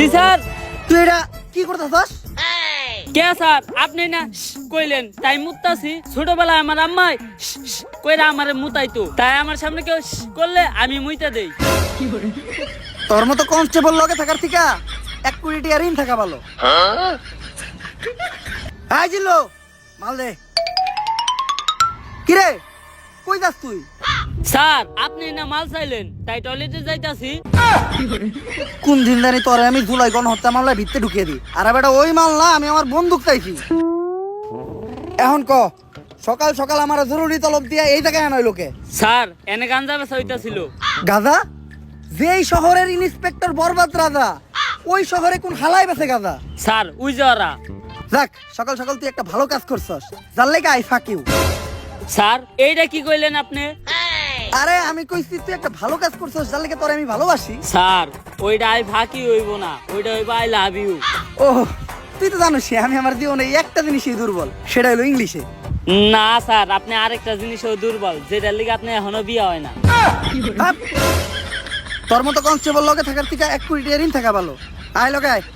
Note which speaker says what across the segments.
Speaker 1: জি sir.
Speaker 2: তুই এটা কি করতেছস?
Speaker 1: কে স্যার আপনি না কইলেন তাই মুতাছি। ছোটবেলায় আমার আম্মাই কইরা আমারে মুতাইতো, তাই আমার সামনে কেউ করলে আমি মুইতা দেই।
Speaker 2: তোর মতো কনস্টেবল লগে থাকার থেকে 1 কোটি টাকা ঋণ থাকা ভালো। আই জিল্লো মাল দে। কিরে কই যাস তুই?
Speaker 1: স্যার আপনি না মাল চাইলেন তাই টয়লেটে যাইতাছি।
Speaker 2: কোন দিন জানি তোরে আমি জুলাই গণহত্যা মামলায় ভিতরে ঢুকিয়ে দিই। আর বেটা ওই মাল না, আমি আমার বন্দুক চাইছি। এখন ক সকাল সকাল আমার জরুরি তলব দিয়া এই জায়গায় আনয় লোকে।
Speaker 1: স্যার এনে গাঞ্জা বেচা হইতাছিল।
Speaker 2: গাজা? যেই শহরের ইন্সপেক্টর বরবাদ রাজা, ওই শহরে কোন হালাই বেছে গাজা?
Speaker 1: স্যার উই যারা।
Speaker 2: যাক সকাল সকাল তুই একটা ভালো কাজ করছস, যার লেগে আই ফাক ইউ।
Speaker 1: স্যার এইটা কি কইলেন আপনি?
Speaker 2: আরে আমি কইছি তুই একটা ভালো কাজ করছস, যার লেগে তোরে আমি ভালোবাসি।
Speaker 1: স্যার ওইটা আই ফাঁকি হইব না, ওইটা হইব আই লাভ ইউ।
Speaker 2: ও তুই তো জানিস আমি আমার জীবনে একটা জিনিসই দুর্বল, সেটা হলো ইংলিশে।
Speaker 1: না স্যার আপনি আরেকটা জিনিসও দুর্বল, যেটার লিগে আপনি এখনো বিয়ে হয় না।
Speaker 2: হাপ! তোর মতো কনস্টেবল লগে থাকার থেকে 1 কোটি টাকা ঋণ থাকা ভালো। আয় লগে আয়।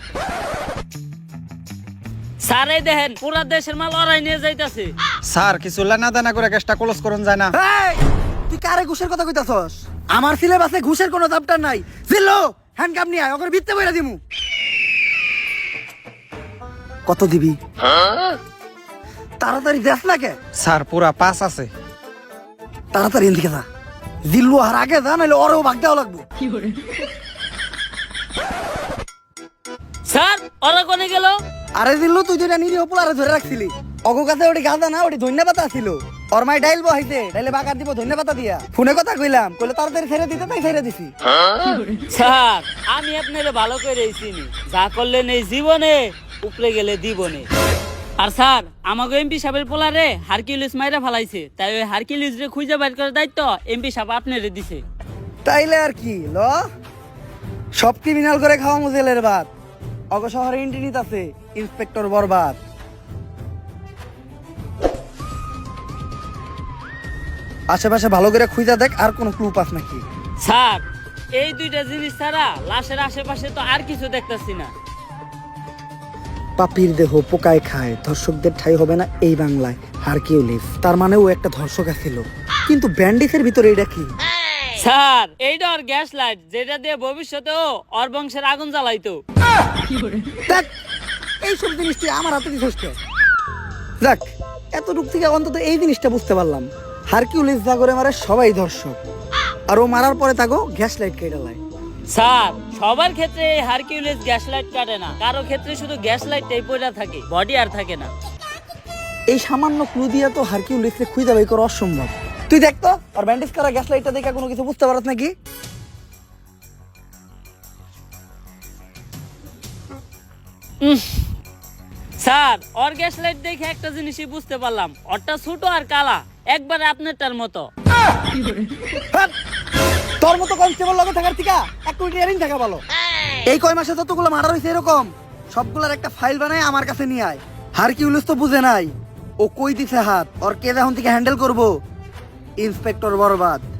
Speaker 1: স্যার এই দেখেন পুরা দেশের মাল ওরাই নিয়ে যাইতাছে।
Speaker 3: স্যার কিছু লেনা দেনা করে গ্যাসটা ক্লোজ করুন যায় না?
Speaker 2: এই, তুই কারে ঘুষের কথা কইতাছস? আমার সিলেবাসে ঘুষের কোনো চ্যাপ্টার নাই। জিল্লো হ্যান্ডকাপ নিয়ে আয়, ওকে ভিত্তে বইরা দিমু। কত দিবি? তাড়াতাড়ি দেখ না কে।
Speaker 3: স্যার পুরা 5 আছে।
Speaker 2: তাড়াতাড়ি এদিকে যা। জিল্লু আর আগে যা, নাহলে ওরও ভাগ দেওয়া লাগবো।
Speaker 1: স্যার ওরা কোনে গেল?
Speaker 2: আরে জিল্লু তুই যেটা নিরীহ পোলারে ধরে রাখছিলি, অগো কাছে ওটি গাঁদা না, ওটি ধন্যবাদ ছিল। ওর মাই ডাইল বহাইছে, ডাইলে বাগার দিব ধন্যবাদ দিয়া। ফোনে কথা কইলাম, কইলে তাড়াতাড়ি ছেড়ে দিতে, তাই ছেড়ে দিছি।
Speaker 1: স্যার আমি আপনারে ভালো করে চিনি, যা করলেন এই জীবনে উপরে গেলে দিবনে। আর স্যার আমাকে এমপি সাহেবের পোলারে হারকিউলিস মাইরা ফালাইছে, তাই ওই হারকিউলিস রে খুঁজে বাইর করার দায়িত্ব এমপি সাহেব আপনারে দিছে।
Speaker 2: তাইলে আর কি ল, সব ক্রিমিনাল করে খাওয়া মুজেলের ভাত। অগ শহরে ইন্টিনিত আছে ইন্সপেক্টর বরবাদ। আশেপাশে ভালো করে খুঁজা দেখ, আর কোনো ক্লু পাস নাকি।
Speaker 1: স্যার এই দুইটা জিনিস ছাড়া লাশের আশেপাশে তো আর কিছু দেখতাছি না।
Speaker 2: পাপির দেহ পোকায় খায়, ধর্ষকদের ঠাই হবে না এই বাংলায়। হারকিউলিস তার মানে ও একটা ধর্ষক ছিল, কিন্তু ব্যান্ডিসের ভিতরে এটা কি?
Speaker 1: স্যার এইটা ওর গ্যাস লাইট, যেটা দিয়ে ভবিষ্যতেও ওর বংশের আগুন জ্বালাইতো।
Speaker 2: দেখ এইসব জিনিস তুই আমার হাতে দিছিস কে? যাক এতটুক থেকে অন্তত এই জিনিসটা বুঝতে পারলাম, হারকিউলিস যা করে মারে সবাই ধর্ষক, আর ও মারার পরে তাকে গ্যাস লাইট কেটে লাই।
Speaker 1: স্যার সবার ক্ষেত্রে এই হারকিউলিস গ্যাস লাইট কাটে না, কারো ক্ষেত্রে শুধু গ্যাস লাইটটাই পড়া থাকে, বডি আর থাকে না।
Speaker 2: এই সামান্য ক্লু দিয়া তো হারকিউলিসকে খুঁজে বাই করা অসম্ভব। তুই দেখ তো আর ব্যান্ডেজ করা গ্যাস লাইটটা দেখে কোনো কিছু বুঝতে পারছ নাকি?
Speaker 1: স্যার ওর গ্যাস লাইট দেখে একটা জিনিসই বুঝতে পারলাম, ওরটা ছোট আর কালা, একবারে আপনারটার মতো।
Speaker 2: হাট! তোর মতো কনস্টেবল লগে থাকার থেকে 1 কোটি টাকা ঋণ থাকা ভালো। এই কয় মাসে যতগুলো মার্ডার হয়েছে এরকম সবগুলার একটা ফাইল বানায় আমার কাছে নিয়ে আয়। হারকিউলিস তো বুঝে নাই ও কই দিছে হাত, ওর কে এখন থেকে হ্যান্ডেল করবো? ইন্সপেক্টর বরবাদ।